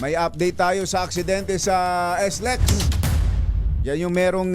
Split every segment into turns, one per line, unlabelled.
May update tayo sa aksidente sa SLEX. Yan yung merong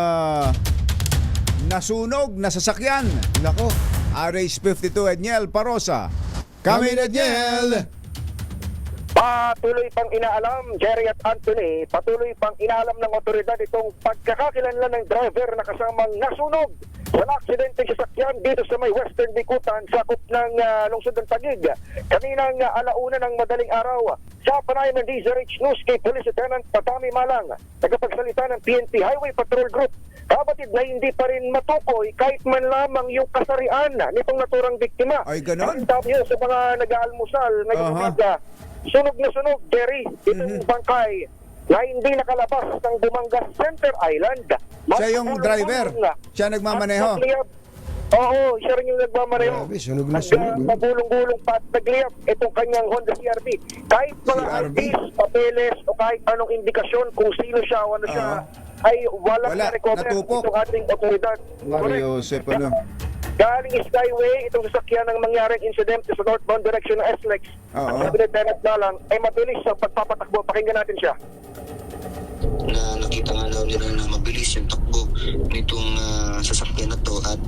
nasunog na sasakyan.
Nako.
RH52 Edniel Parosa. Kami Edniel.
Patuloy pang inaalam, Jerry at Anthony, patuloy pang inaalam ng otoridad itong pagkakakilanlan ng driver na kasamang nasunog sa aksidente sa sakyan dito sa may Western Bikutan, sakop ng lungsod ng Taguig. Kaninang alauna ng madaling araw, sa panayam ng DZRH News kay Police Lieutenant Patami Malang, tagapagsalita ng PNP Highway Patrol Group, kabatid na hindi pa rin matukoy kahit man lamang yung kasarian nitong naturang biktima.
Ay, ganon?
Ang sabi sa mga nag-aalmusal ngayong umaga, sunog na sunog, Jerry, itong bangkay na hindi nakalabas ng Bumangas Center Island.
Siya yung driver. Siya nagmamaneho.
Oo, siya rin yung nagmamaneho.
Grabe, sunog na sunog.
Magulong-gulong pa at nagliyap itong kanyang Honda CRV. Kahit mga
CRV?
IDs, papeles, o kahit anong indikasyon kung sino siya o ano siya, ay walang
Wala,
na-recover
natupok.
itong ating otoridad.
Mario Joseph, ano?
Galing Skyway, itong sasakyan ng mangyaring insidente sa northbound direction ng SLEX.
Oo.
Ang sabi ni Lieutenant Malang ay mabilis sa pagpapatakbo. Pakinggan natin siya.
Na nakita nga daw nila na mabilis yung takbo nitong sasakyan na to at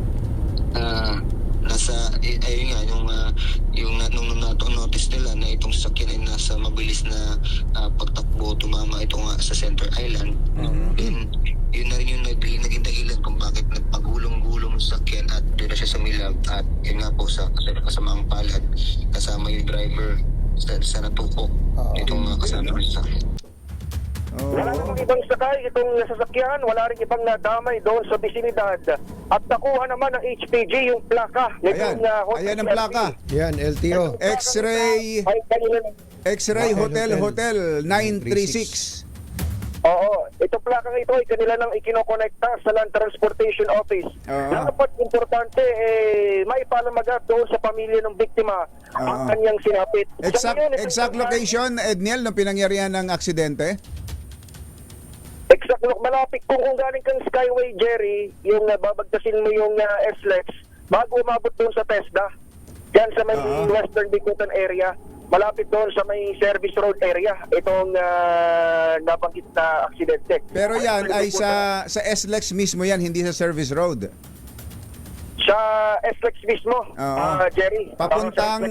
nasa ayun nga yung nung notice nila na itong sasakyan ay nasa mabilis na pagtakbo tumama ito nga sa Center Island. Then yun na rin yung naging dahilan kung bakit nagpagulong-gulong sa sasakyan at doon na siya sa milab at yun nga po sa kasamaang palad kasama yung driver sa natupok itong kasama ng sasakyan.
Wala namang ibang sakay itong sasakyan, wala rin ibang nadamay doon sa bisinidad. At nakuha naman ng HPG yung plaka.
Ayan, ayan ang plaka.
Yan, LTO.
X-ray Hotel 936.
Oo, itong plaka ito ay kanila nang ikinokonekta sa Land Transportation Office.
Oo.
Dapat importante, maipalamagat doon sa pamilya ng biktima ang kanyang sinapit.
Exact location, Edniel, ng pinangyarihan ng aksidente?
Exact, malapit kung galing kang Skyway, Jerry, yung babagtasin mo yung SLEX, bago umabot doon sa TESDA, dyan sa may Western Bikutan area, malapit doon sa may service road area, itong nabanggit na aksidente.
Pero yan ay sa SLEX mismo yan, hindi sa service road.
Sa SLEX mismo, Jerry.
Papuntang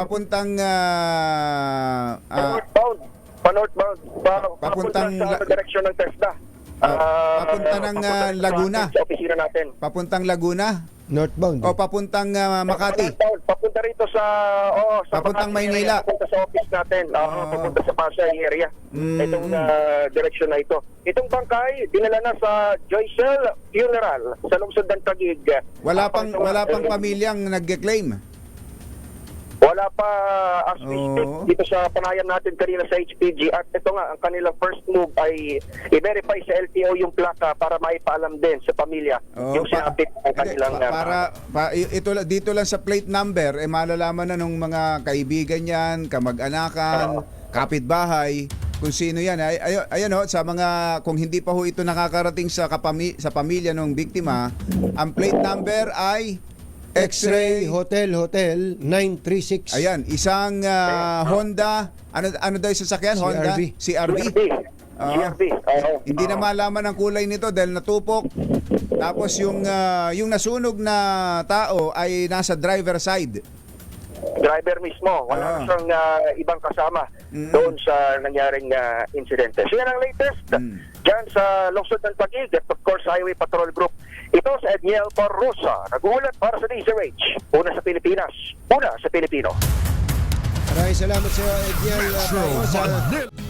Pa-northbound.
Papuntang
sa direksyon ng TESDA.
papunta ng Laguna.
Sa opisina natin.
Papuntang Laguna
Northbound.
o papuntang Makati.
Papunta rito sa
Papuntang
Makati
Maynila.
area, papunta sa office natin. Papunta sa Pasay area. Itong direksyon na ito. Itong bangkay dinala na sa Joycel Funeral sa lungsod ng Taguig.
Wala pang pamilyang nagge-claim.
Wala pa as we speak
Oo.
dito sa panayam natin kanina sa HPG at ito nga ang kanilang first move ay i-verify sa LTO yung plaka para maipaalam din sa pamilya yung sinapit ng kanilang
dito lang sa plate number malalaman na nung mga kaibigan yan, kamag-anakan, kapitbahay, kung sino yan. Ayan ho, sa mga kung hindi pa ho ito nakakarating sa pamilya ng biktima, ang plate number ay
X-ray Hotel 936.
Ayan, isang Honda, ano daw yung sasakyan? Honda? CRV?
CRV.
Hindi na malaman ang kulay nito dahil natupok. Tapos yung nasunog na tao ay nasa driver side.
Driver mismo. Wala na siyang ibang kasama doon sa nangyaring insidente. So yan ang latest dyan sa lungsod ng Taguig at of course Highway Patrol Group. Ito sa Edniel Parrosa, nag-uulat para sa DZRH. Una sa Pilipinas, una sa Pilipino.
Maraming salamat sa iyo, Edniel Parrosa.